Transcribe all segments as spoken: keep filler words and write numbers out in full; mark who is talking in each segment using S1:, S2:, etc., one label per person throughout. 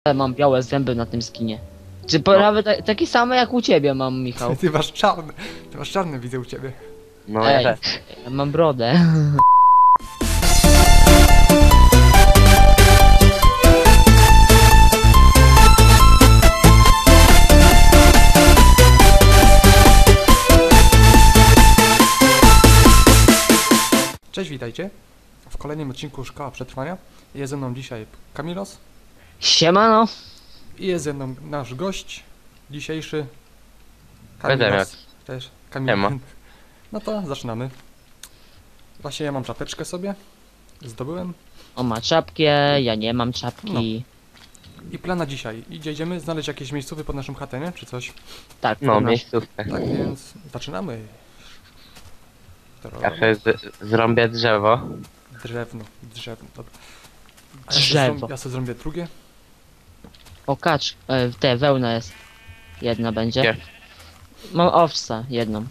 S1: mam białe zęby na tym skinie. Czy prawie ta, takie same jak u ciebie mam, Michał?
S2: Ty masz czarny, ty masz czarny, widzę u ciebie.
S3: No
S1: Ej,
S3: ja też.
S1: ja mam brodę.
S2: Cześć, witajcie w kolejnym odcinku Szkoła Przetrwania. Jest ze mną dzisiaj Kamilos
S1: Siemano.
S2: i jest ze mną nasz gość dzisiejszy
S3: Bedemek.
S2: też Kamil.
S3: Siema.
S2: No to zaczynamy. Właśnie ja mam czapeczkę sobie, zdobyłem.
S1: On ma czapkę, ja nie mam czapki.
S2: I plan na dzisiaj. Idzie, idziemy znaleźć jakieś miejscowy pod naszą chatę, nie? Czy coś.
S1: Tak,
S3: No,
S1: to nasz-
S3: miejscówkę.
S2: Tak więc zaczynamy.
S3: Ja sobie z- zrąbię drzewo.
S2: Drewno, drewno, dobra. A Ja
S1: Drzewo.
S2: sobie, zrą- ja sobie zrobię drugie.
S1: O, kacz, e, te, wełna jest. Jedna będzie.
S3: Gdzie?
S1: Mam owca, jedną.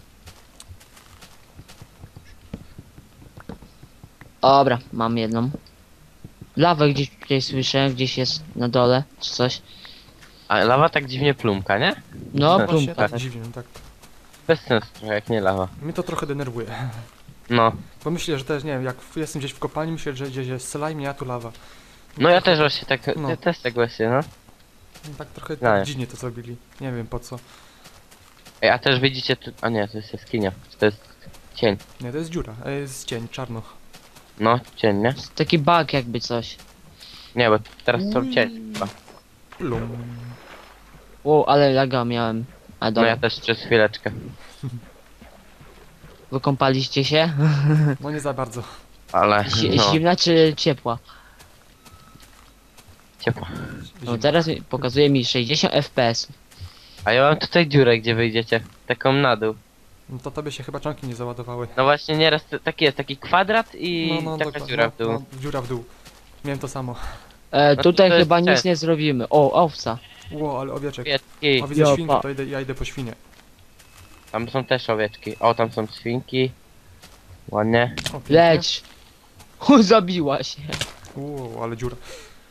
S1: Dobra, mam jedną. Lawę gdzieś tutaj słyszę, gdzieś jest na dole, czy coś.
S3: A lawa tak dziwnie plumka, nie?
S1: No,
S3: Właśnie
S2: Właśnie
S1: plumka.
S2: tak dziwnie, no tak.
S3: Bez sensu trochę, jak nie lawa.
S2: Mnie to trochę denerwuje.
S3: No.
S2: Bo myślę, że też, nie wiem, jak jestem gdzieś w kopalni, myślę, że gdzieś jest slime, a tu lawa.
S3: No ja też właśnie tak,
S2: No.
S3: ja też tak właśnie, no.
S2: No tak trochę
S3: No.
S2: tak dziwnie to zrobili. Nie wiem po co.
S3: Ej, a też widzicie tu... A nie, to jest jaskinia. To jest cień.
S2: Nie, to jest dziura, a jest cień, czarno.
S3: No, cień, nie?
S1: Taki bug jakby coś.
S3: Nie, bo teraz są cień chyba.
S2: Plum.
S1: Wow, ale laga miałem. A
S3: No
S1: dobra,
S3: ja też przez chwileczkę.
S1: wykąpaliście się?
S2: No nie za bardzo.
S3: Ale,
S1: Si-
S3: no,
S1: Zimna czy ciepła?
S3: ciepło.
S1: No
S2: Zimno.
S1: teraz mi- pokazuje mi sześćdziesiąt F P S.
S3: A ja mam tutaj dziurę, gdzie wyjdziecie. Taką na dół.
S2: No to tobie się chyba czanki nie załadowały.
S3: No właśnie nieraz to- taki jest, taki kwadrat i taka
S2: dokładnie,
S3: dziura w dół.
S2: No, dziura w dół. Miałem to samo.
S1: E,
S3: No
S1: tutaj
S3: to jest
S1: chyba nic
S3: często.
S1: nie zrobimy. O, owca.
S2: Ło, ale owieczek.
S3: Owieczki.
S2: O, widzę
S1: Ja,
S2: świnkę,
S1: pa.
S2: to idę, ja idę po świnie.
S3: Tam są też owieczki. O, tam są świnki. Ładnie.
S2: O, pięknie.
S1: Leć. U, zabiła się.
S2: Ło, ale dziura.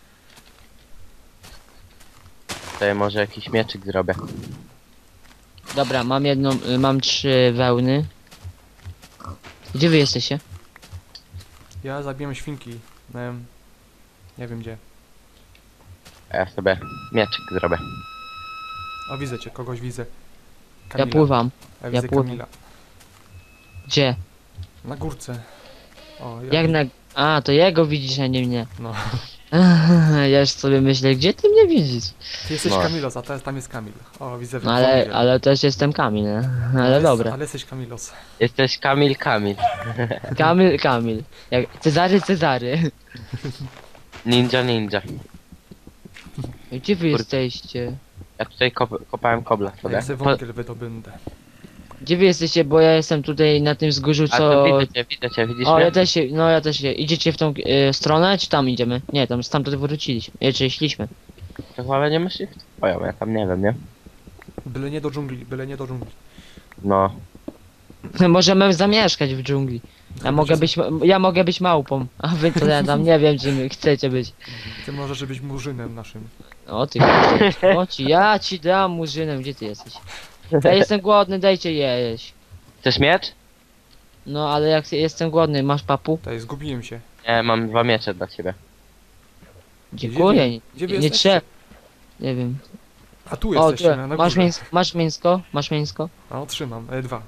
S3: Tutaj może jakiś mieczyk zrobię.
S1: Dobra, mam jedną, y, mam trzy wełny. Gdzie wy jesteście?
S2: Ja zabiłem świnki. Em, nie wiem gdzie.
S3: A ja sobie mieczyk zrobię.
S2: O, widzę cię, kogoś widzę.
S1: Ja
S2: Kamila.
S1: pływam.
S2: Ja widzę
S1: pływam.
S2: Kamila.
S1: Gdzie?
S2: Na górce. O, ja
S1: Jak
S2: widzę-
S1: na... A, to jego widzisz, a nie mnie.
S2: No.
S1: Ja już sobie myślę, gdzie ty mnie widzisz?
S2: Ty jesteś
S3: No.
S2: Kamilos, a teraz tam jest Kamil. O, widzę w
S1: No ale,
S2: widzę.
S1: ale też jestem Kamil, nie? Ale
S2: jest-
S1: dobra.
S2: Ale jesteś Kamilos.
S3: Jesteś Kamil Kamil.
S1: Kamil, Kamil. Jak... Cezary, Cezary.
S3: Ninja Ninja.
S1: Gdzie wy
S3: Kurde.
S1: jesteście?
S3: Ja tutaj kop kopałem kobla
S2: Ja
S3: sobie.
S2: sobie
S3: To,
S2: wągiel wydobędę.
S1: Gdzie wy jesteście, bo ja jestem tutaj na tym wzgórzu,
S3: a
S1: co...
S3: to widzę cię, widzę cię, widzisz
S1: O,
S3: mnie?
S1: ja też się, no ja też się. Idziecie w tą e, stronę, czy tam idziemy? Nie, tam stamtąd wróciliśmy. E, czy szliśmy.
S3: To chyba nie myślisz? Twoją, ja tam nie wiem, nie?
S2: Byle nie do dżungli, byle nie do dżungli.
S3: No.
S1: Możemy zamieszkać w dżungli. Ja mogę być, ja mogę być małpą, a wy to ja tam nie wiem, czym chcecie być.
S2: Ty możesz być murzynem naszym.
S1: O ty, o ci, ja ci dam murzynem, gdzie ty jesteś? Ja jestem głodny, dajcie jeść.
S3: Chcesz miecz?
S1: No ale jak jestem głodny, masz papu?
S2: Tutaj zgubiłem się.
S3: Nie, mam dwa miecze dla ciebie.
S1: Dziękuję, nie,
S2: Gdzie wy
S1: nie
S2: jesteście?
S1: trzeba. Nie wiem.
S2: A tu
S1: O,
S2: jesteście,
S1: tu,
S2: na, na
S1: masz,
S2: górze.
S1: mięs masz mięsko? Masz mięsko?
S2: A, otrzymam. E, dwa.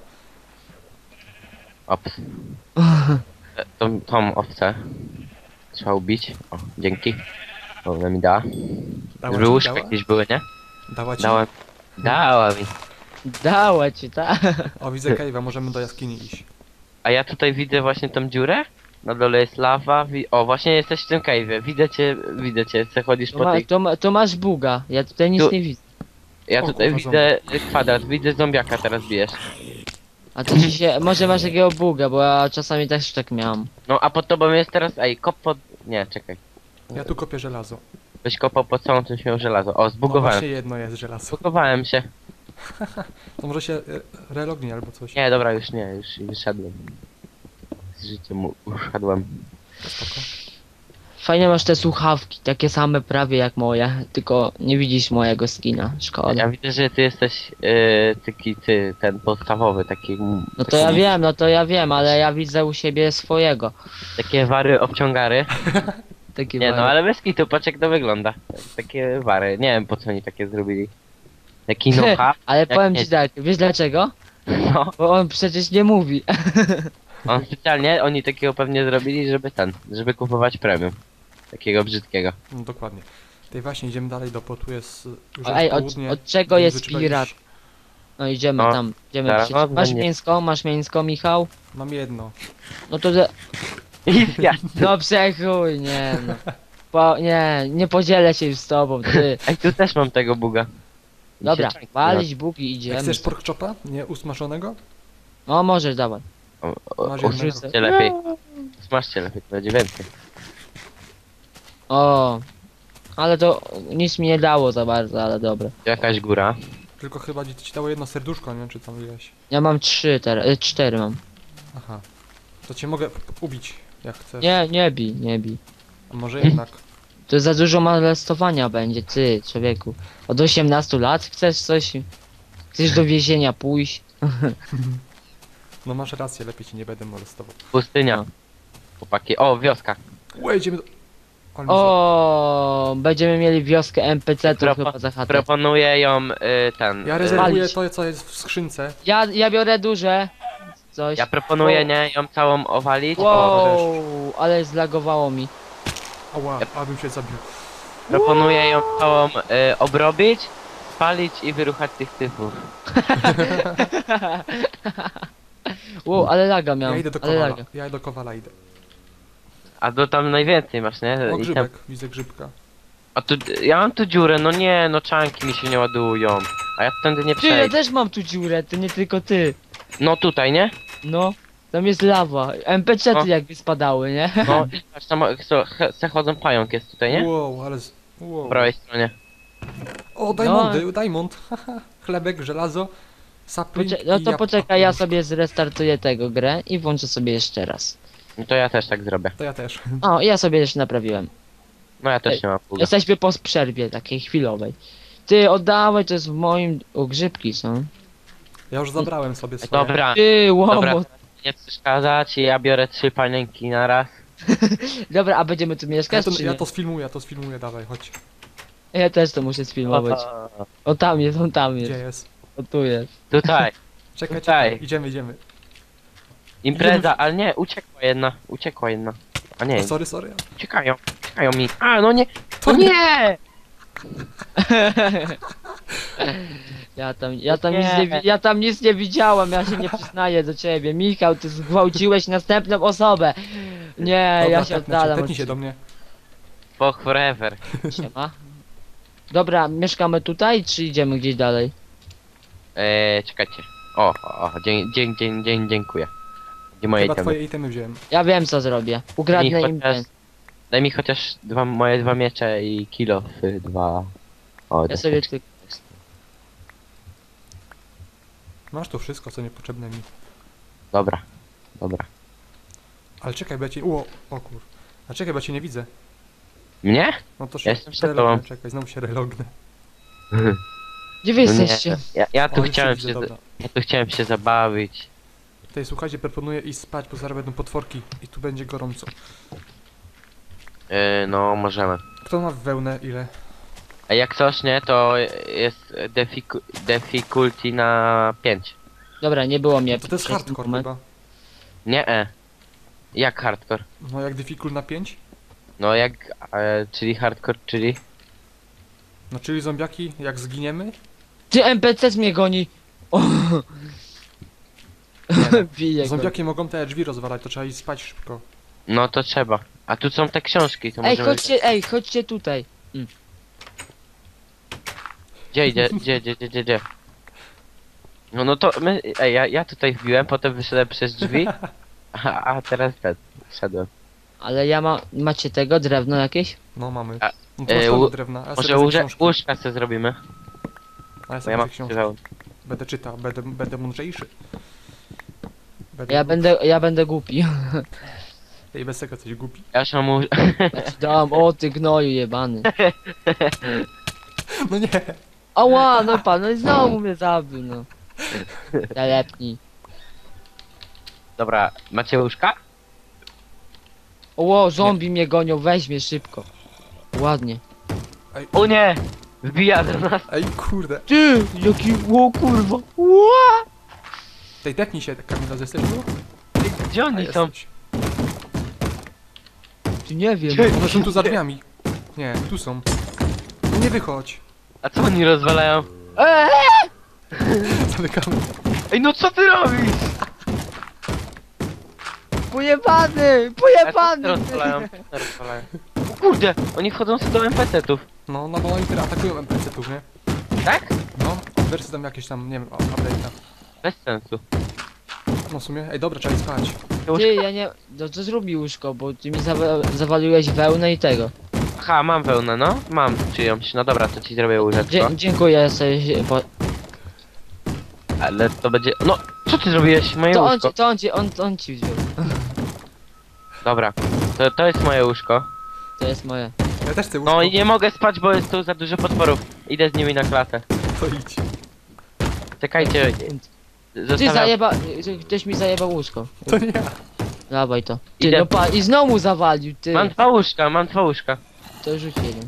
S3: Ops. E, Tą, tą owcę trzeba ubić. O, dzięki. O, ona mi dała.
S2: Dała
S3: Żeby
S2: ci,
S3: łóżka
S2: dała?
S3: jakieś były, nie?
S2: Dała ci?
S3: Dałem. Dała mi.
S1: Dała ci, tak?
S2: O, widzę Cave'a, możemy do jaskini iść.
S3: A ja tutaj widzę właśnie tą dziurę. Na dole jest lawa. Wi o, właśnie jesteś w tym cave'ie. Widzę cię, widzę cię. Zachodzisz
S1: To,
S3: po
S1: ma,
S3: tej...
S1: to, ma, to masz buga, ja tutaj nic
S3: Tu-
S1: nie widzę.
S3: Ja
S2: O,
S3: tutaj
S2: kurwa,
S3: widzę kwadrat. Widzę zombiaka teraz bijesz.
S1: A to ci się, może masz takiego buga, bo ja czasami też tak miałam.
S3: No a pod tobą jest teraz... Ej, kop pod... Nie, czekaj.
S2: Ja tu kopię żelazo.
S3: Byś kopał pod całą czymś miał żelazo. O,
S2: No
S3: zbugowałem.
S2: właśnie jedno jest żelazo.
S3: Zbugowałem się.
S2: To może się e, relognie albo coś.
S3: Nie, dobra, już nie, już wyszedłem. Z życiem u- uszedłem.
S2: Spoko.
S1: Fajnie masz te słuchawki, takie same prawie jak moje, tylko nie widzisz mojego skina, szkoda.
S3: Ja widzę, że ty jesteś yy, taki ty, ten podstawowy, taki...
S1: No to ja wiem, no to ja wiem, ale ja widzę u siebie swojego.
S3: Takie wary obciągary.
S1: Taki
S3: Nie no,
S1: wariat.
S3: ale bez kitu, patrz jak to wygląda. Takie wary, nie wiem po co oni takie zrobili. Taki nocha.
S1: Ale
S3: jak
S1: powiem
S3: nie-
S1: ci tak, wiesz dlaczego?
S3: No,
S1: Bo on przecież nie mówi.
S3: on specjalnie, oni takiego pewnie zrobili, żeby ten, żeby kupować premium. Takiego brzydkiego.
S2: No dokładnie. Tutaj właśnie idziemy dalej, do potu jest już
S1: Ej,
S2: jest
S1: od,
S2: południe.
S1: od czego
S2: więc
S1: jest
S2: trzeba
S1: pirat?
S2: iść.
S1: No idziemy
S3: No,
S1: tam, idziemy
S3: zaraz
S1: przecież. Masz
S3: będzie.
S1: mięsko, masz mięsko, Michał?
S2: Mam jedno.
S1: No to... ze-
S3: I ja.
S1: No przechuj, nie no. Po, nie, nie podzielę się już z tobą, ty.
S3: Ej, tu też mam tego buga. Mi
S1: Dobra,
S3: się czanki
S1: walić bugi,
S2: Jak
S1: idziemy.
S2: chcesz pork chopa? Nie usmażonego?
S1: No możesz, dawaj.
S3: O, o,
S2: Masz
S3: Usmażcie
S2: jednego.
S3: lepiej. Smażcie lepiej, to będzie więcej.
S1: O, ale to nic mi nie dało za bardzo, ale dobra.
S3: Jakaś góra.
S2: Tylko chyba ci ci dało jedno serduszko, nie wiem czy tam ileś.
S1: Ja mam trzy teraz, y, cztery mam.
S2: Aha. To cię mogę p- ubić, jak chcesz.
S1: Nie, nie bij, nie bij.
S2: A może jednak.
S1: To za dużo molestowania będzie, ty, człowieku. Od osiemnastu lat chcesz coś... Chcesz do więzienia pójść?
S2: No masz rację, lepiej ci nie będę molestował.
S3: Pustynia.
S1: No.
S3: Chłopaki. O, wioska.
S2: Ue, idziemy do... Ale mi za-
S1: O, będziemy mieli wioskę N P C to
S3: Propo-
S1: chyba za chatę.
S3: Proponuję ją y, ten.
S2: Ja
S3: y,
S2: rezerwuję
S1: Walić.
S2: to, co jest w skrzynce.
S1: Ja, ja biorę duże. Coś.
S3: Ja proponuję
S1: O.
S3: nie ją całą owalić. O,
S1: Wow, ale zlagowało mi.
S2: Ała, abym się zabił.
S3: proponuję ją całą y, obrobić, spalić i wyruchać tych typów.
S1: Wow, ale laga miałem.
S2: Ja idę do
S1: ale
S2: kowala.
S1: laga.
S2: Ja do kowala idę.
S3: A do tam najwięcej masz, nie?
S2: O,
S3: I tam,
S2: grzybek, widzę grzybka.
S3: a tu, ja mam tu dziurę, no nie, no czanki mi się nie ładują. A ja tędy nie
S1: Ty, ja
S3: przejdę.
S1: też mam tu dziurę, to nie tylko ty.
S3: No tutaj, nie?
S1: No, tam jest lawa. N P C-ty
S3: No.
S1: jakby spadały, nie?
S3: No i patrz, tam co, he- se chodzą pająk jest tutaj, nie?
S2: Wow, ale... Z... Wow.
S3: Po prawej stronie.
S2: O, diamondy, diamond. Haha. Chlebek, żelazo. Sapling
S1: Pocze no
S2: i
S1: to
S2: jabłko.
S1: poczekaj, ja sobie zrestartuję tego grę i włączę sobie jeszcze raz.
S3: No to ja też tak zrobię.
S2: To ja też.
S1: O, ja sobie jeszcze naprawiłem.
S3: No ja też
S1: Ej,
S3: nie mam pługa.
S1: Jesteśmy po przerwie takiej chwilowej. Ty, oddawaj, to jest w moim... O, grzybki są.
S2: Ja już zabrałem sobie swoje.
S3: Dobra,
S1: Ty,
S3: dobra,
S1: łomot.
S3: nie przeszkadzać, ja biorę trzy panienki na raz.
S1: Dobra, a będziemy tu
S2: Ja
S1: mieszkać,
S2: to,
S1: czy
S2: ja
S1: nie?
S2: to sfilmuję, ja to sfilmuję, dawaj, chodź.
S1: Ja też to muszę sfilmować. O, tam jest, on tam
S2: Gdzie
S1: jest.
S2: jest?
S1: O, tu jest.
S3: Tutaj,
S2: Czekaj,
S3: Tutaj.
S2: czekaj, idziemy, idziemy.
S3: impreza, ale nie, uciekła jedna, uciekła jedna. A nie,
S2: O, sorry, sorry.
S3: uciekają, uciekają mi. A, no nie,
S2: To
S3: no nie!
S1: Ja tam, ja tam
S3: Nie.
S1: nic nie, wi- ja tam nic nie widziałem, ja się nie przyznaję do ciebie. Michał, ty zgwałciłeś następną osobę. Nie,
S2: Dobra,
S1: ja się
S2: tepnę cię,
S1: oddalam.
S2: tepnij
S1: od
S2: się do mnie.
S3: Fuck forever.
S1: Siema. Dobra, mieszkamy tutaj, czy idziemy gdzieś dalej?
S3: Eee, czekajcie. O, o, o, dzień, dzień, dzień, dzień, dziękuję. Gdzie moje
S2: Chyba
S3: itemy?
S2: twoje itemy wziąłem.
S1: Ja wiem co zrobię. Ukradnę
S3: Daj mi
S1: im
S3: chociaż-
S1: ten.
S3: Daj mi chociaż dwa, moje dwa miecze i kilo dwa. O,
S1: Ja
S3: tak.
S1: sobie tylko...
S2: Masz tu wszystko, co niepotrzebne mi.
S3: Dobra, dobra.
S2: Ale czekaj, bo ja cię... O, o kur... A czekaj, bo ja cię nie widzę.
S3: Mnie?
S2: No to się
S3: Ja jestem przed
S2: relognę,
S3: tobą.
S2: czekaj, znowu się relognę.
S1: Gdzie wy
S3: No nie,
S1: jesteście?
S3: ja, ja tu
S2: O, już cię
S3: chciałem
S2: widzę,
S3: się,
S2: dobra.
S3: ja tu chciałem się zabawić.
S2: Tutaj słuchajcie, proponuję iść spać, bo zaraz będą potworki i tu będzie gorąco.
S3: Yy, no, możemy.
S2: Kto ma wełnę ile?
S3: A jak coś nie, to jest defiku, difficulty na pięć.
S1: Dobra, nie było mnie.
S2: To to jest
S1: przez ten
S2: hardcore
S1: moment.
S2: chyba.
S3: Nie, e. Jak hardcore?
S2: No jak difficult na pięć?
S3: No jak, e, czyli hardcore, czyli?
S2: No czyli zombiaki, jak zginiemy?
S1: Ty, N P C mnie goni! O.
S2: Nie,
S1: Bije go.
S2: Zombiaki mogą te drzwi rozwalać, to trzeba iść spać szybko.
S3: No to trzeba. A tu są te książki, to
S1: Ej,
S3: możemy...
S1: chodźcie, ej, chodźcie tutaj.
S3: Gdzie idzie, gdzie, gdzie, gdzie, gdzie, gdzie? No no to my, ej, ja, ja tutaj wbiłem, potem wyszedłem przez drzwi, a, a teraz ten, wszedłem.
S1: Ale ja mam... Macie tego? Drewno jakieś?
S2: No mamy.
S3: A,
S2: No to
S3: e,
S2: masz
S3: u-
S2: mało drewna, a ja
S3: Może
S2: sobie wezmę
S3: łóże,
S2: książki.
S3: łóżka sobie zrobimy,
S2: A ja
S3: bo
S2: sobie
S3: ja mam
S2: wezmę książki.
S3: przywał.
S2: Będę czytał, będę, będę mądrzejszy. Będę
S1: Ja będę, ja będę głupi.
S2: Ej, bez tego coś głupi.
S3: Ja już mam mu...
S1: Ja ci dam, o ty gnoju jebany.
S2: No nie.
S1: Ała, no pan, no i znowu mnie zabił, no. Zalepnij.
S3: Dobra, macie łóżka?
S1: O, zombie mnie gonią, weź mnie szybko. Ładnie.
S3: O nie! Wbija do nas.
S2: Ej, kurde.
S1: Ty, jaki, o kurwa. Ła!
S2: Tej tepnij się, Kamilo, jesteś tu?
S3: Gdzie
S2: A,
S3: oni są?
S2: jesteś.
S1: Ty nie wiem.
S3: Ty-
S2: One są tu za drzwiami. Nie, tu są. No nie wychodź.
S3: A co oni rozwalają?
S1: Eee!
S2: Zamykamy.
S3: Ej, no co ty robisz?
S1: Pojebany,
S3: A co
S1: pojebany.
S3: ty rozwalają? Co rozwalają? O kurde, oni wchodzą sobie do en pe ce tów.
S2: No, no bo oni teraz atakują en pe ce tów, nie?
S3: Tak?
S2: No, wersy tam jakieś tam, nie wiem, update'a.
S3: Bez sensu.
S2: No w sumie, ej dobra, trzeba iść spać.
S1: Ty, ja nie... No to zrób mi łóżko, bo ty mi zawa zawaliłeś wełnę i tego.
S3: Aha, mam wełnę, no. Mam czyjąś. No dobra, to ci zrobię łóżeczko.
S1: Dzie dziękuję sobie, po...
S3: Ale to będzie... No, co ty zrobiłeś? Moje
S1: To on
S3: łóżko.
S1: ci, to on ci, on, on ci wziął.
S3: Dobra, to, to jest moje łóżko.
S1: To jest moje.
S2: Ja też chcę łóżko.
S3: No i nie mogę spać, bo jest tu za dużo potworów. Idę z nimi na klatę.
S2: To idź.
S3: Czekajcie,
S1: Ty
S3: zostawiam...
S1: zajeba... Ktoś mi zajebał łóżko.
S2: To nie ja.
S1: Dawaj to. Ty,
S3: Idę.
S1: no pa... I znowu zawalił, ty.
S3: Mam dwa łóżka, mam dwa łóżka.
S1: To rzuć jeden.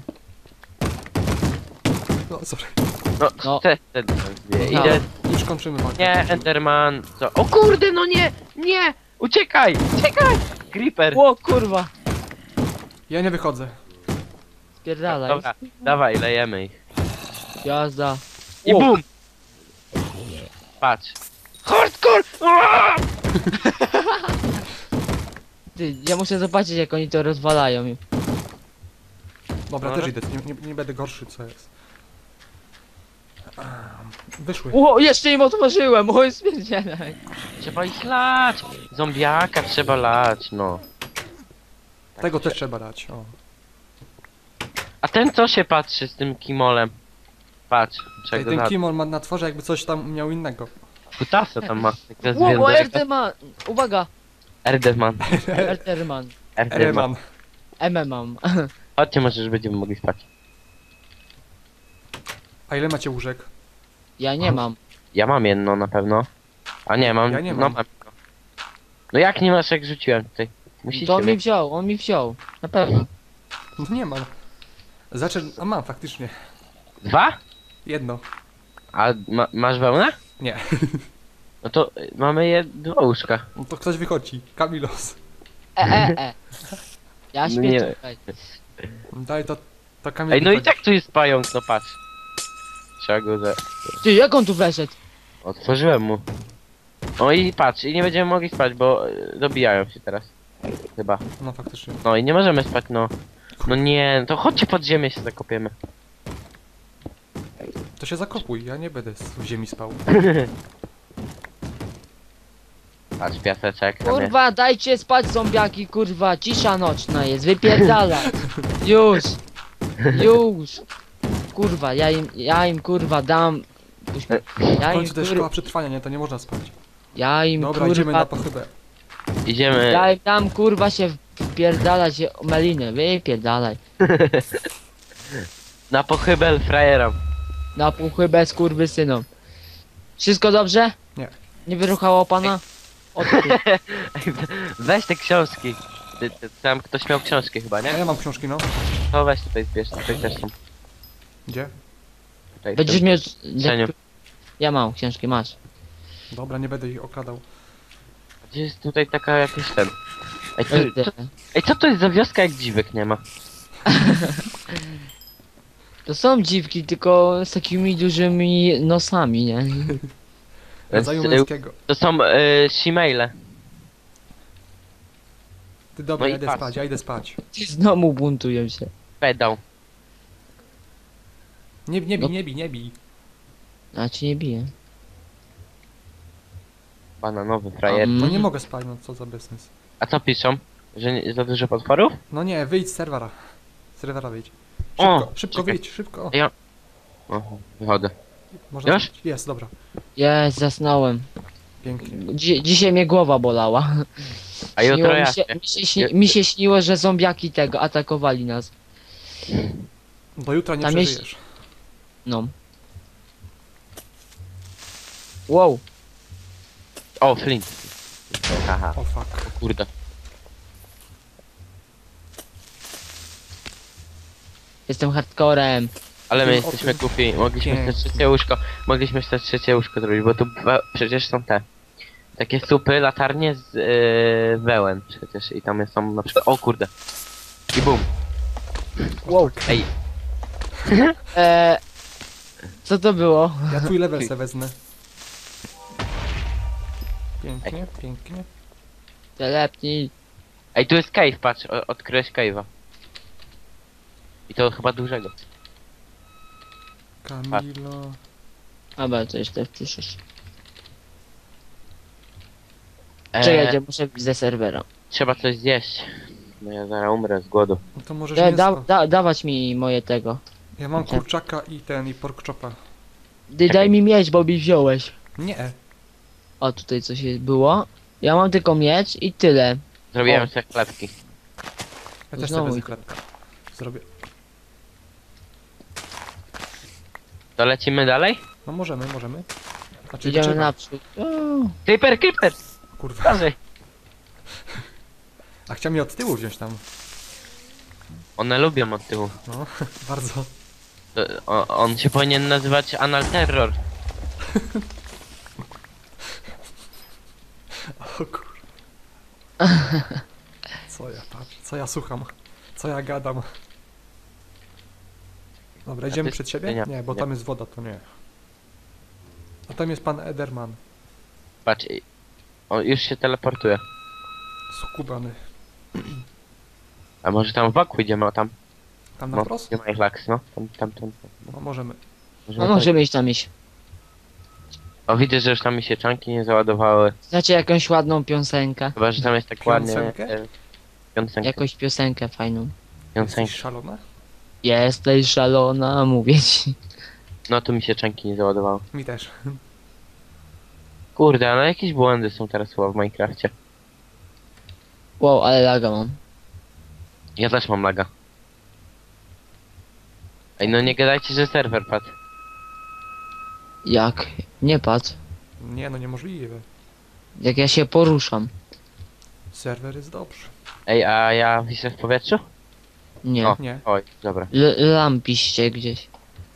S2: No, sorry.
S3: No,
S1: No.
S3: te, te, te dwie.
S1: No.
S3: Idę...
S2: Już kończymy walkę.
S3: Nie, Enderman, co? O kurde, no nie! Nie! Uciekaj! Uciekaj! Creeper!
S1: O kurwa.
S2: Ja nie wychodzę.
S1: Spierdalaj.
S3: Dobra, dawaj, lejemy ich.
S1: Jazda.
S3: I
S1: O.
S3: bum! Patrz. Hardcore! Aaaa!
S1: Ty, ja muszę zobaczyć jak oni to rozwalają.
S2: Dobra,
S3: No,
S2: też
S3: no.
S2: idę, nie, nie, nie będę gorszy, co jest. Wyszły.
S1: O, jeszcze im otworzyłem, oj spierdzielaj.
S3: Trzeba ich lać! Zombiaka trzeba lać, no.
S2: Tego też trzeba dać, o.
S3: A ten co się patrzy z tym kimolem? Patrz,
S2: Ej,
S3: czego
S2: ten
S3: na...
S2: Kimon ma na tworze jakby coś tam miał innego.
S3: Kutasa tam ma. Jak
S1: O, o
S3: zwiędłego.
S1: Erdeman. Uwaga.
S3: Erdeman.
S1: Erderman.
S3: Erdeman.
S2: Ereman.
S1: M M mam.
S3: Chodźcie, może już będziemy mogli spać.
S2: A ile macie łóżek?
S1: Ja nie mam.
S3: Ja mam jedno na pewno. A nie, mam...
S2: Ja nie
S3: No,
S2: mam.
S3: mam. No jak nie masz, jak rzuciłem tutaj? Musicie
S1: To on mi
S3: mieć.
S1: wziął, on mi wziął. Na pewno.
S2: No nie mam. Zaczę... A mam faktycznie.
S3: Dwa?
S2: Jedno.
S3: A ma, masz wełnę?
S2: Nie.
S3: No to y, mamy je dwa łóżka.
S2: No to ktoś wychodzi. Kamilos.
S1: E, e, e. Ja
S3: No
S1: śpię
S3: nie.
S1: tutaj.
S2: Daj to... To Kamil
S3: Ej, no i
S2: wychodzi.
S3: tak tu jest pająk, no patrz. Trzeba go za...
S1: Ty, jak on tu weszedł?
S3: Otworzyłem mu. No i patrz, i nie będziemy mogli spać, bo y, dobijają się teraz. Chyba.
S2: No faktycznie.
S3: No i nie możemy spać, no. No nie, to chodźcie pod ziemię się zakopiemy.
S2: To się zakopuj, ja nie będę w ziemi spał.
S3: Patrz, piaseczek tam jest.
S1: Kurwa, dajcie spać zombiaki, kurwa. Cisza nocna jest, wypierdalać. Już. Już. Kurwa, ja im, ja im kurwa dam. Puść mnie.
S2: W
S1: Ja im
S2: końcu to jest szkoła
S1: kurwa,
S2: przetrwania, nie? To nie można spać.
S1: ja im
S2: Dobra, idziemy na
S1: kurwa,
S2: pochybę.
S3: Idziemy.
S1: ja im dam kurwa się wpierdalać o melinę, wypierdalaj.
S3: Na pochybel frajerom.
S1: Na puchy bez kurwy synom. Wszystko dobrze?
S2: Nie.
S1: Nie wyruchało pana? O ty.
S3: Weź te książki. Ty, ty, tam ktoś miał książki chyba,
S2: A
S3: nie?
S2: ja mam książki, no.
S3: To weź tutaj zbierz, tutaj też są.
S2: Gdzie?
S3: Tutaj
S1: Będziesz
S3: są.
S1: miał...
S3: Cieniu.
S1: Ja mam książki, masz.
S2: Dobra, nie będę ich okradał.
S3: Gdzie jest tutaj taka jakiś ten... Ej, co,
S1: Ej,
S3: co, ej, co to jest za wioska, jak dziwek nie ma?
S1: To są dziwki, tylko z takimi dużymi nosami, nie?
S2: Rodzaju
S3: y,
S2: męskiego.
S3: To są y, shemale.
S2: Ty dobra,
S3: No i
S2: ja idę
S3: patrz.
S2: spać, ja idę spać.
S1: Ci znowu buntują się.
S3: Pedał.
S2: Nie, nie bij,
S1: No.
S2: nie bij, nie bij.
S1: A ci nie bije.
S3: Bananowy frajer.
S1: Um,
S2: No nie mogę spać, no co za bezsens.
S3: A co piszą? Że nie, za dużo potworów?
S2: No nie, wyjdź z serwera. Z serwera wyjdź.
S3: O,
S2: Szybko, szybko
S3: czekaj.
S2: wyjdź, szybko.
S3: Ja- Oho, wychodzę.
S2: Można
S3: Już?
S2: spać. Jest, dobra.
S1: Jest, zasnąłem.
S2: Pięknie.
S1: Dzi dzisiaj mnie głowa bolała.
S3: A jutro
S1: Śniło mi,
S3: ja
S1: się,
S3: się.
S1: mi, się śni mi się śniło, że zombiaki tego atakowali nas.
S2: Do jutra nie
S1: Tam jest-
S2: przeżyjesz.
S1: No. Wow.
S3: O, Flint. Haha,
S2: O fuck.
S3: kurde.
S1: Jestem hardcorem.
S3: Ale my
S2: Wiem o
S3: jesteśmy
S2: tym.
S3: kupi. Mogliśmy
S2: Pięknie.
S3: te trzecie łóżko. Mogliśmy te trzecie łóżko zrobić, bo tu we- przecież są te. Takie supy, latarnie z yy, wełen przecież i tam są na przykład. O kurde. I bum.
S1: Wow.
S3: Ej,
S1: Eee, co to było?
S2: Ja twój level se wezmę. Pięknie, pięknie.
S1: Telepnij.
S3: ej, tu jest cave, patrz, o, odkryłeś cave'a. I to chyba dużego.
S2: Kamilo.
S1: Dobra, to jeszcze wpiszesz.
S3: Eee,
S1: Czekajcie, muszę wyjść ze serwera.
S3: trzeba coś zjeść. No ja zaraz umrę z głodu.
S2: No to możesz
S1: E,
S2: mięso.
S1: da, da, dawać mi moje tego.
S2: Ja mam kurczaka i ten, i pork chopa.
S1: Dy, daj mi mieć, bo mi wziąłeś.
S2: Nie.
S1: O, tutaj coś jest było. Ja mam tylko miecz i tyle.
S3: Zrobiłem
S1: O.
S3: sobie chlebki.
S2: Ja też
S1: Znowu
S2: sobie
S1: i-
S2: wezmę chlebka. Zrobię.
S3: To lecimy dalej?
S2: No możemy, możemy. Znaczy
S1: Idziemy
S2: trzeba.
S1: naprzód. O,
S3: Creeper, creeper!
S2: Kurwa.
S3: Dalej.
S2: A chciał mnie od tyłu wziąć tam.
S3: One lubią od tyłu.
S2: No, bardzo.
S3: To, o, on się powinien nazywać Anal Terror.
S2: O kur... Co ja patrzę, co ja słucham, co ja gadam. Dobra, idziemy
S3: ty-
S2: przed siebie?
S3: nie,
S2: Nie, bo
S3: nie.
S2: tam jest woda, to nie. A tam jest pan Ederman.
S3: Patrz, i- o, już się teleportuje.
S2: Skubany.
S3: A może tam wokół idziemy, o tam?
S2: Tam na
S3: No,
S2: prost?
S3: nie ma ich laks, no. Tam, tam, tam. tam.
S2: No możemy.
S1: no możemy iść tam iść.
S3: O, widzę, że już tam mi się czanki nie załadowały.
S1: Znacie jakąś ładną piosenkę?
S3: Chyba, że tam jest tak ładnie...
S2: Piosenkę?
S3: e, Piosenkę.
S1: Jakąś piosenkę fajną.
S3: Piosenkę.
S2: Jesteś szalona?
S1: Jesteś szalona, mówię ci.
S3: No, tu mi się czanki nie załadowały.
S2: Mi też.
S3: Kurde, ale jakieś błędy są teraz chyba w Minecrafcie.
S1: Wow, ale laga mam.
S3: Ja też mam laga. Ej, no nie gadajcie, że serwer padł.
S1: Jak? Nie patrz.
S2: Nie, no niemożliwe.
S1: Jak ja się poruszam.
S2: Serwer jest dobrze.
S3: Ej, a ja wiszę w powietrzu?
S1: Nie.
S3: O.
S2: Nie.
S3: Oj, dobra.
S1: L lampiście gdzieś.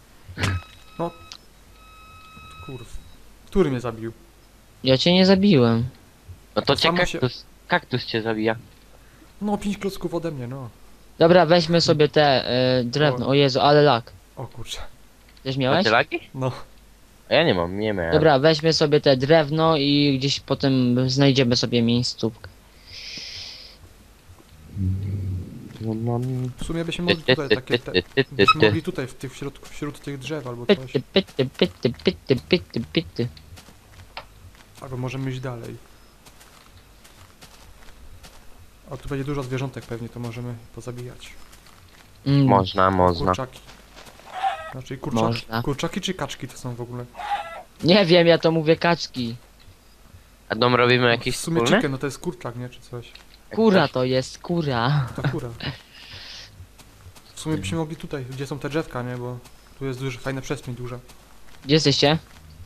S2: Kurw. Który mnie zabił?
S1: Ja cię nie zabiłem.
S3: No to
S2: To
S3: cię
S2: samo się-
S3: kaktus, kaktus cię zabija.
S2: No, pięć klocków ode mnie, no.
S1: Dobra, weźmy sobie te y, drewno. O Jezu, ale lag.
S2: O kurczę.
S1: Też miałeś?
S3: Macie lagi?
S2: No.
S3: A ja nie mam, nie miałem.
S1: Dobra, weźmy sobie te drewno i gdzieś potem znajdziemy sobie miejscówkę.
S3: No, no, no.
S2: W sumie byśmy mogli tutaj takie te... Byśmy mogli tutaj w tych środku, wśród tych drzew albo coś.
S1: Pyty, pyty, pyty, pyty, pyty, pyty.
S2: Albo możemy iść dalej. A tu będzie dużo zwierzątek pewnie, to możemy pozabijać.
S1: Mm,
S3: Można, można.
S2: Kurczaki. Znaczy kurczaki.
S1: Można.
S2: Kurczaki czy kaczki to są w ogóle?
S1: Nie wiem, ja to mówię kaczki.
S3: A dom robimy jakiś
S2: W sumie
S3: wspólny?
S2: chicken, no to jest kurczak, nie? Czy coś.
S1: Kura to jest, kura.
S2: To kura. W sumie byśmy mogli tutaj, gdzie są te drzewka, nie? Bo tu jest dużo, fajna przestrzeń duża.
S1: Gdzie jesteście?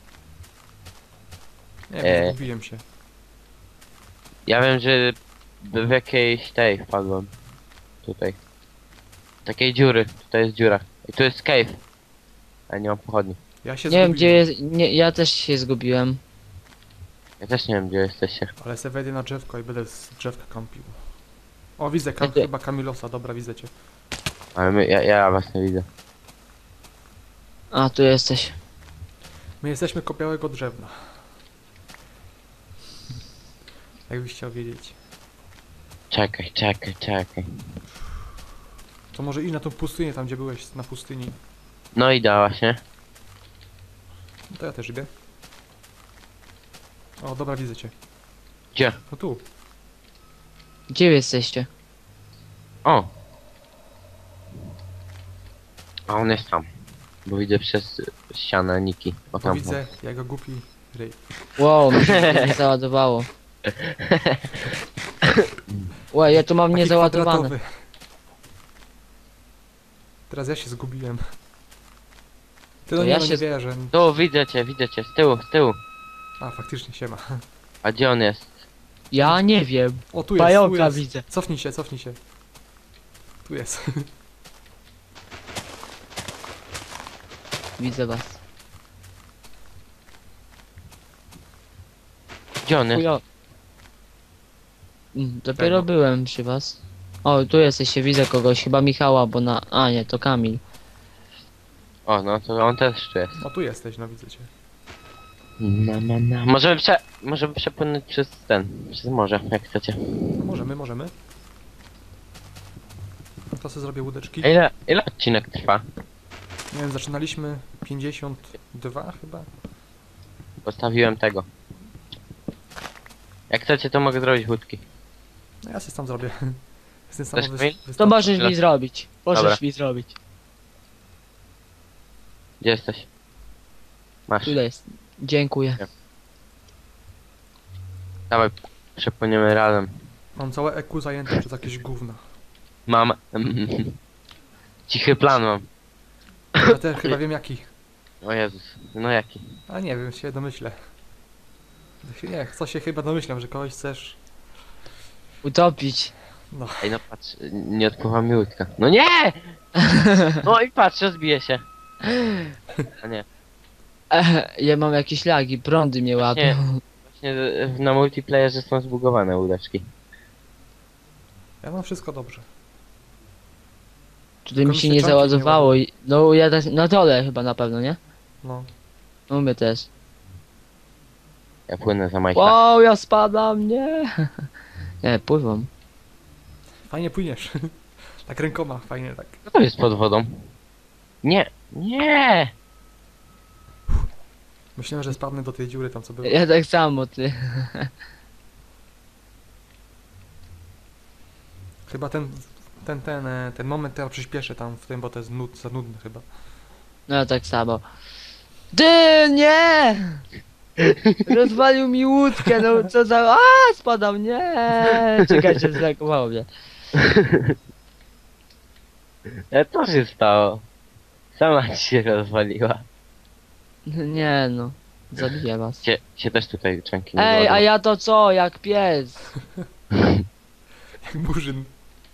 S2: Nie
S3: E.
S2: wiem, zgubiłem się.
S3: Ja wiem, że w jakiejś tej wpadłem. Tutaj. Takiej dziury. Tutaj jest dziura. I tu jest cave. Ale nie mam pochodni.
S2: Ja się
S1: Nie wiem,
S2: zgubiłem,
S1: gdzie jest. Nie, ja też się zgubiłem.
S3: Ja też nie wiem, gdzie jesteście.
S2: ale se wejdę na drzewko i będę z drzewka kampił. O, widzę, kam,
S1: Gdzie?
S2: chyba Kamilosa, dobra, widzę cię.
S3: Ale my, ja, ja was nie widzę.
S1: A, tu jesteś.
S2: My jesteśmy koło białego drzewna. Jakbyś chciał wiedzieć.
S3: Czekaj, czekaj, czekaj.
S2: To może iść na tą pustynię, tam gdzie byłeś, na pustyni.
S3: No i da właśnie.
S2: No to ja też idę. O, dobra, widzę cię.
S3: Gdzie?
S2: No tu.
S1: Gdzie wy jesteście?
S3: O! A on jest tam. Bo widzę przez ścianę Niki. O
S2: Bo
S3: tam.
S2: widzę, jak go głupi Ryj.
S1: Wow, mi się to nie załadowało. Łe, ja tu mam
S2: Taki
S1: niezaładowane.
S2: kwadratowy. Teraz ja się zgubiłem. Ty
S1: To
S2: no nie,
S1: ja
S2: no
S1: się
S2: nie
S1: z-
S2: wierzę.
S3: Tu, widzę cię, widzę cię, z tyłu, z tyłu.
S2: A, faktycznie się ma.
S3: A gdzie on jest?
S1: Ja nie wiem.
S2: O, tu jest, tu
S1: Pająka
S2: jest.
S1: widzę.
S2: Cofnij się, cofnij się. Tu jest.
S1: Widzę was.
S3: Gdzie on jest?
S1: Chujo. Mm, Dopiero
S2: Tego.
S1: byłem przy was. O, tu jesteście, widzę kogoś, chyba Michała, bo na... A nie, to Kamil.
S3: O, no to on też tu jest.
S2: O, tu jesteś, no widzę cię.
S3: Na, na, na. Możemy prze... Możemy przepłynąć przez ten, przez morze, jak chcecie.
S2: No możemy, możemy. No to sobie zrobię łódeczki.
S3: A ile, ile odcinek trwa?
S2: Nie wiem, zaczynaliśmy pięćdziesiąt dwa chyba.
S3: Postawiłem tego. Jak chcecie, to mogę zrobić łódki.
S2: No ja się sam zrobię. Jestem
S3: Chcesz
S2: sam
S3: mi?
S1: To możesz
S3: Ile?
S1: mi zrobić. Możesz
S3: Dobra.
S1: mi zrobić.
S3: Gdzie jesteś? Masz.
S1: Tutaj jest. Dziękuję.
S3: Dawaj, przepłyniemy razem.
S2: Mam całe E Q zajęte przez jakieś gówna.
S3: Mam... Cichy plan mam.
S2: Ja też chyba wiem jaki.
S3: O Jezus, no jaki?
S2: A nie wiem, się domyślę. Nie, co się chyba domyślam, że kogoś chcesz.
S1: Utopić.
S2: No,
S3: Ej, no patrz, nie odpływa mi łódka. No nie! No i patrz, rozbije się. A nie,
S1: Ech, ja mam jakieś lagi, prądy mnie
S3: Właśnie-
S1: łapią.
S3: właśnie na multiplayerze są zbugowane łódeczki.
S2: ja mam wszystko dobrze.
S1: Tutaj mi
S2: Tylko
S1: się
S2: mi
S1: nie
S2: się czanki nie
S1: załadowało i... No ja też... Na dole chyba na pewno, nie?
S2: No.
S1: No my też.
S3: Ja płynę za Majka.
S1: Wow, ja spadam, nie! Nie, pływam.
S2: Fajnie płyniesz. Tak rękoma, fajnie tak.
S3: Co to jest pod wodą? Nie, nie!
S2: Myślałem, że spadnę do tej dziury tam co było.
S1: Ja tak samo, ty.
S2: Chyba ten, ten, ten, e, ten moment teraz przyspieszę tam w tym, bo to jest nud, za nudne chyba.
S1: No ja tak samo. Ty, nie! Rozwalił mi łódkę, no co za... A, spadam, nie! Czekajcie, zlakowało mnie.
S3: E, co się stało? Sama ci się rozwaliła.
S1: Nie no, zabiję was.
S3: Cię, cię też tutaj czanki nie
S1: Ej, a
S3: załadowały.
S1: ja to co, jak pies?
S2: Jak murzyn.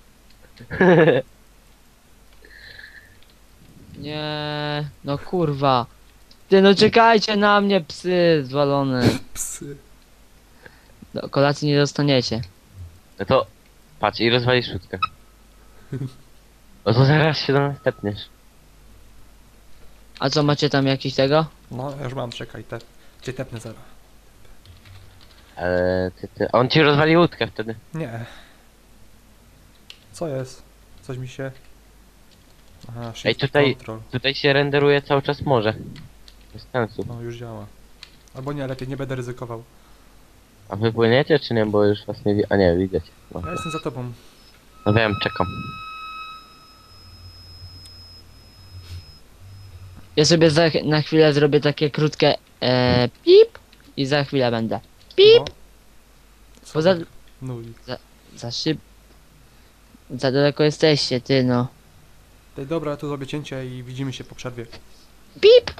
S1: Nie, no kurwa. Ty, no czekajcie na mnie, psy zwalone.
S2: Psy.
S1: Do kolacji nie dostaniecie.
S3: No to patrz i rozwalisz łódkę. No to zaraz się do nas tepniesz.
S1: A co, macie tam jakiś tego?
S2: No, ja już mam, czekaj, te, cię tepnę zaraz.
S3: Ale ty, ty... On ci rozwali łódkę wtedy.
S2: Nie. Co jest? Coś mi się... Aha, shift
S3: tutaj-
S2: control.
S3: Tutaj się renderuje cały czas morze. Bez sensu.
S2: No, już działa. Albo nie, lepiej nie będę ryzykował.
S3: A wy płyniecie czy nie? Bo już was nie wi... A nie, widzę cię. No,
S2: Ja jestem za tobą.
S3: no wiem, czekam.
S1: Ja sobie za, na chwilę zrobię takie krótkie e, pip i za chwilę będę. Pip!
S2: No.
S1: Bo za,
S2: No i...
S1: za szyb... Za daleko jesteście, ty no.
S2: Ej, dobra, ja tu zrobię cięcie i widzimy się po przerwie.
S1: Pip!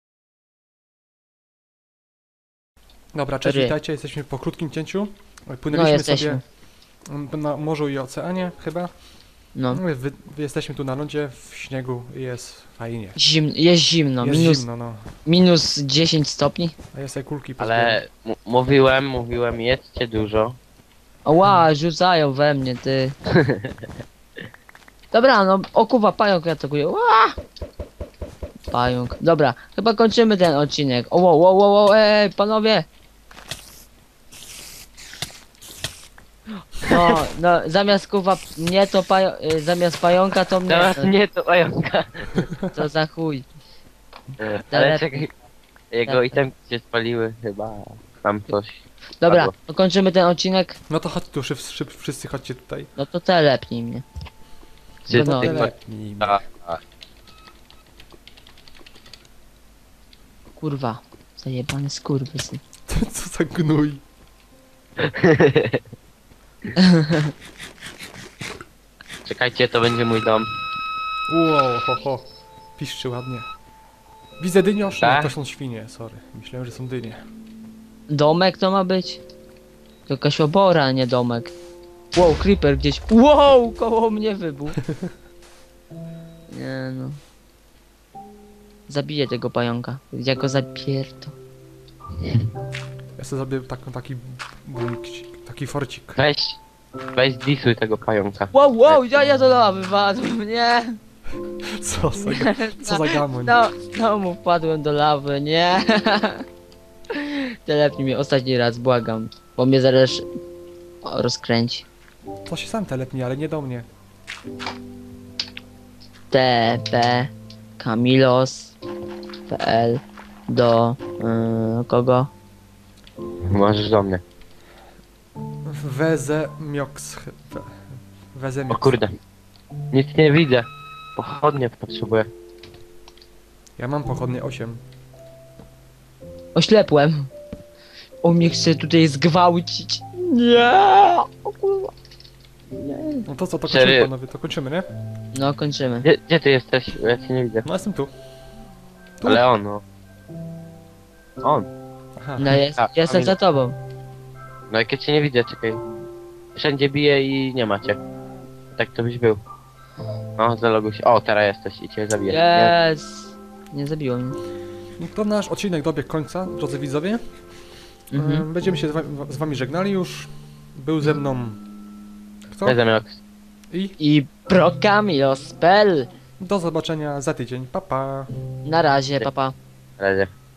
S2: Dobra, cześć,
S1: Ry.
S2: witajcie, jesteśmy po krótkim cięciu.
S1: No
S2: Płynęliśmy
S1: jesteśmy.
S2: sobie na morzu i oceanie chyba.
S1: No.
S2: No. Wy, wy jesteśmy tu na lądzie, w śniegu i jest fajnie.
S1: Zim, jest zimno,
S2: jest
S1: minus,
S2: zimno, no.
S1: minus dziesięć stopni.
S2: A ja sobie kulki pozbieram.
S3: Ale m- mówiłem, mówiłem, jedzcie dużo.
S1: Ła, rzucają we mnie, ty. Dobra, no, okuwa pająk atakuje. Ła! Pająk. Dobra, chyba kończymy ten odcinek. O, wow, wow, wow, wow, ej, panowie! No, no, zamiast kuwa mnie to pajo y, zamiast pająka to mnie.
S3: Teraz nie to pająka.
S1: To za chuj.
S3: Ale
S1: Lepiej.
S3: czekaj. Jego
S1: Lepiej.
S3: itemki się spaliły chyba. Tam coś.
S1: Dobra,
S3: Padło.
S1: no kończymy ten odcinek.
S2: No to chodź tu, szyb, szyb, wszyscy chodźcie tutaj.
S1: No to telepnij mnie.
S3: Czy
S1: No,
S3: ty
S1: no.
S2: Telepnij mnie.
S3: A, a.
S1: Kurwa. Zajebany skurwysyn.
S2: Co za gnój.
S3: Czekajcie, to będzie mój dom.
S2: Wow, ho, ho. Piszczy ładnie. Widzę dyniosz? Nie,
S3: Tak?
S2: to są świnie, sorry. Myślałem, że są dynie.
S1: Domek to ma być? To jakaś obora, a nie domek. Wow, creeper gdzieś. Wow, koło mnie wybuchł. Nie no. Zabiję tego pająka. Ja go zapierdo.
S2: Ja sobie zrobię taką, taki bunkcik, taki forcik.
S3: Weź, weź disuj tego pająka.
S1: Wow, wow, ja, ja do lawy wpadłem, nie?
S2: Co za, ga- co za gamoń.
S1: No, znowu wpadłem do lawy, nie? Telepnij mnie ostatni raz, błagam. Bo mnie zaraz o, rozkręci.
S2: To się sam telepnie, ale nie do mnie.
S1: T P Kamilos.pl do yy, kogo?
S3: Możesz do mnie.
S2: Weze mioks. we- Weze
S3: O
S2: mioks.
S3: kurde. Nic nie widzę. Pochodnie potrzebuję.
S2: Ja mam pochodnie osiem.
S1: Oślepłem. On mnie chce tutaj zgwałcić. Nie! O kurwa. Nie.
S2: No to co, to
S3: Cztery.
S2: kończymy panowie, to kończymy, nie?
S1: No, kończymy.
S3: Gdzie, gdzie ty jesteś? Ja cię nie widzę.
S2: No jestem tu. Tu.
S3: Ale on, no. On.
S2: Aha.
S1: No, jest,
S3: Tak,
S1: jestem
S3: Kamil.
S1: za tobą.
S3: No jak ja cię nie widzę, czekaj. Wszędzie bije i nie macie. Tak to byś był. No, zaloguj się. O, teraz jesteś i cię zabiję. Nie?
S1: Jest. Nie zabiło mnie.
S2: No to nasz odcinek dobiegł końca, drodzy widzowie.
S1: Mhm.
S2: E, Będziemy się z wami, z wami żegnali już. Był ze mną... Kto?
S3: Bez zamiok.
S2: I
S1: I Pro Kamilos.pl.
S2: do zobaczenia za tydzień. Pa, pa.
S1: Na razie, papa.
S3: Na razie.